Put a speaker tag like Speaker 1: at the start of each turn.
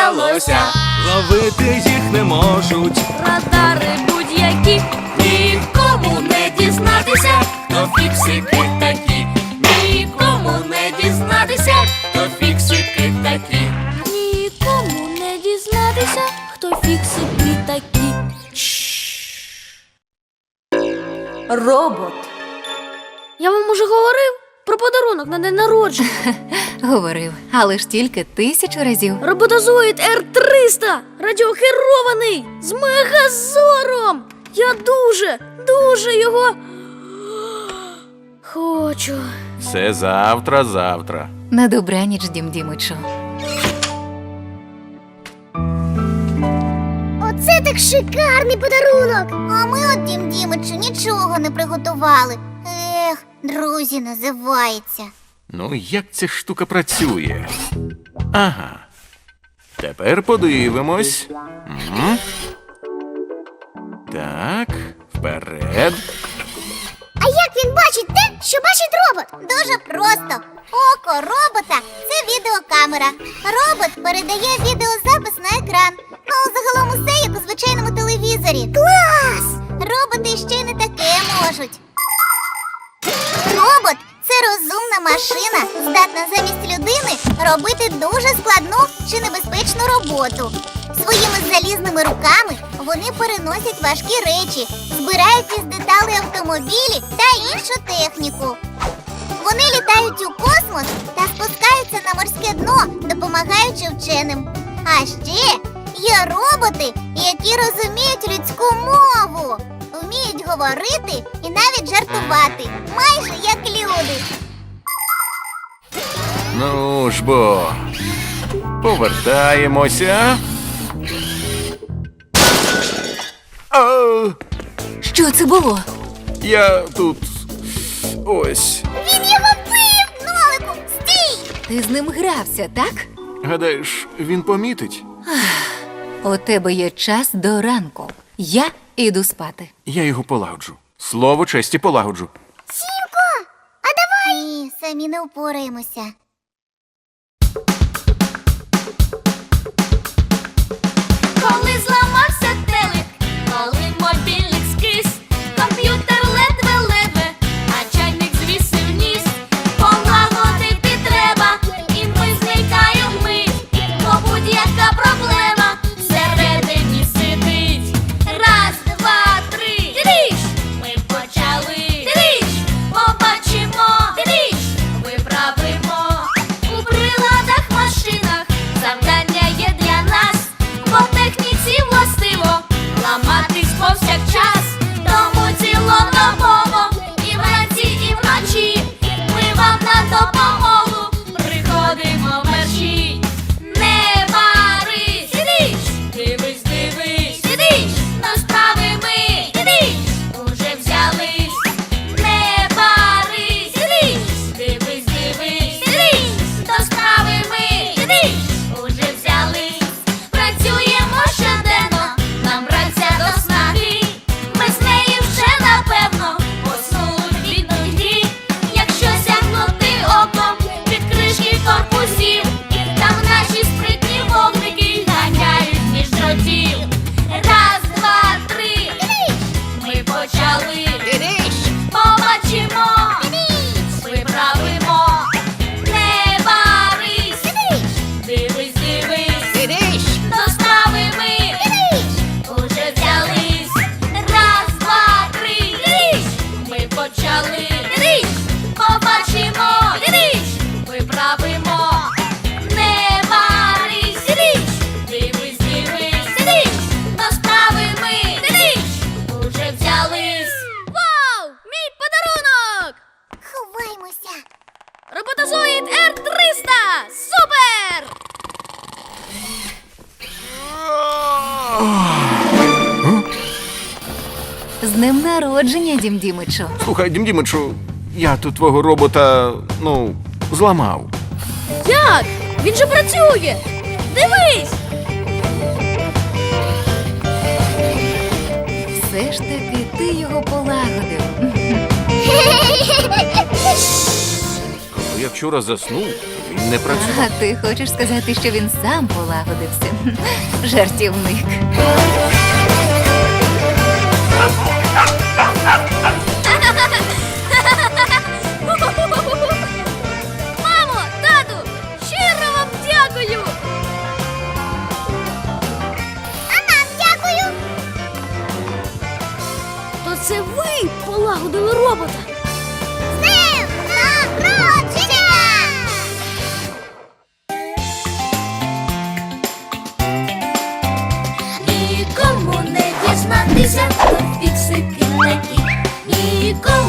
Speaker 1: вдалося. Ловити їх не можуть
Speaker 2: радари будь-які.
Speaker 3: Нікому не дізнатися, хто фіксики такі. Нікому не дізнатися, хто фіксики такі.
Speaker 2: Нікому не дізнатися, хто фіксики такі.
Speaker 4: Робот.
Speaker 2: Я вам уже говорив про подарунок на день народження.
Speaker 4: Говорив, але ж тільки 1000 разів.
Speaker 2: Роботозоїд Р-300, радіохерований, з мегазором. Я дуже його хочу.
Speaker 1: Це завтра.
Speaker 4: На добраніч, Дім Дімичу.
Speaker 5: Оце так шикарний подарунок! А ми от Дім Дімичу нічого не приготували. Ех, друзі називається.
Speaker 1: Ну, як ця штука працює? Ага. Тепер подивимось. Так, вперед.
Speaker 5: А як він бачить те, що бачить робот? Дуже просто. Око робота – це відеокамера. Робот передає відеозапис на екран. Ну, загалом усе, як у звичайному телевізорі. Клас! Роботи ще й не таке можуть. Робот – це розумна машина, здатна замість людини робити дуже складну чи небезпечну роботу. Своїми залізними руками вони переносять важкі речі, збирають із деталей автомобілі та іншу техніку. Вони літають у космос та спускаються на морське дно, допомагаючи вченим. А ще є роботи, які розуміють людську мову, вміють говорити і навіть жартувати, майже як люди.
Speaker 1: Ну ж бо. Повертаємося.
Speaker 4: Що це було?
Speaker 1: Я тут. Ось.
Speaker 5: Він його вбив! Нолику, стій!
Speaker 4: Ти з ним грався, так?
Speaker 1: Гадаєш, він помітить?
Speaker 4: У тебе є час до ранку. Я іду спати.
Speaker 1: Я його полагоджу. Слово честі полагоджу.
Speaker 5: Сімко, а давай! Ні, самі не впораємося.
Speaker 3: Коли зламався телек, коли мобільник скис, комп'ютер ледве-ледве, а чайник звісив ніс. Полагодити треба, і ми зникаємо вмить, бо будь-яка проблема всередині сидить. Раз, два, три, тріш! Ми почали. Тріш! Побачимо. Тріш! Виправимо. У приладах, машинах завдання є для нас, бо техніці властиво ламатись повсякчас. Тому цілодобово і вранці, і вночі ми вам на допомогу приходимо мерщій. Не барись, сидиш, дивись, сидиш, до справи ми, сидиш, уже взялись. Не барись, сидиш, дивись, сидиш, до справи ми, сидиш, уже взялись. Працюємо щоденно, нам праця до снаги. Ми з нею вже напевно поснули від нудьги. Якщо сягнути оком під кришки корпусів, там наші спритні вогники ганяють між дротів. Раз, два, три, ми почали. Побачимо, виправимо. Не барись, дивись, до справи ми, уже взялись. Раз, два, три, ми почали. Побачимо, виправимо. Не барись, дивись, до справи ми, уже взялись.
Speaker 2: Вау! Мій подарунок!
Speaker 5: Ховаймося.
Speaker 2: Роботозоїд Р-300! Супер!
Speaker 4: З днем народження, Дім Дімичу.
Speaker 1: Слухай, Дім Дімичу, я тут твого робота, зламав.
Speaker 2: Як? Він же працює! Дивись!
Speaker 4: Все ж таки ти його полагодив.
Speaker 1: То як вчора заснув, він не працював.
Speaker 4: А ти хочеш сказати, що він сам полагодився? Жартівник.
Speaker 2: Мамо, тату, щиро вам дякую!
Speaker 5: А нам дякую!
Speaker 2: То це ви полагодили робота.
Speaker 5: З днем народження!
Speaker 3: Нікому не дізнатися, то фіксики такі. Нікому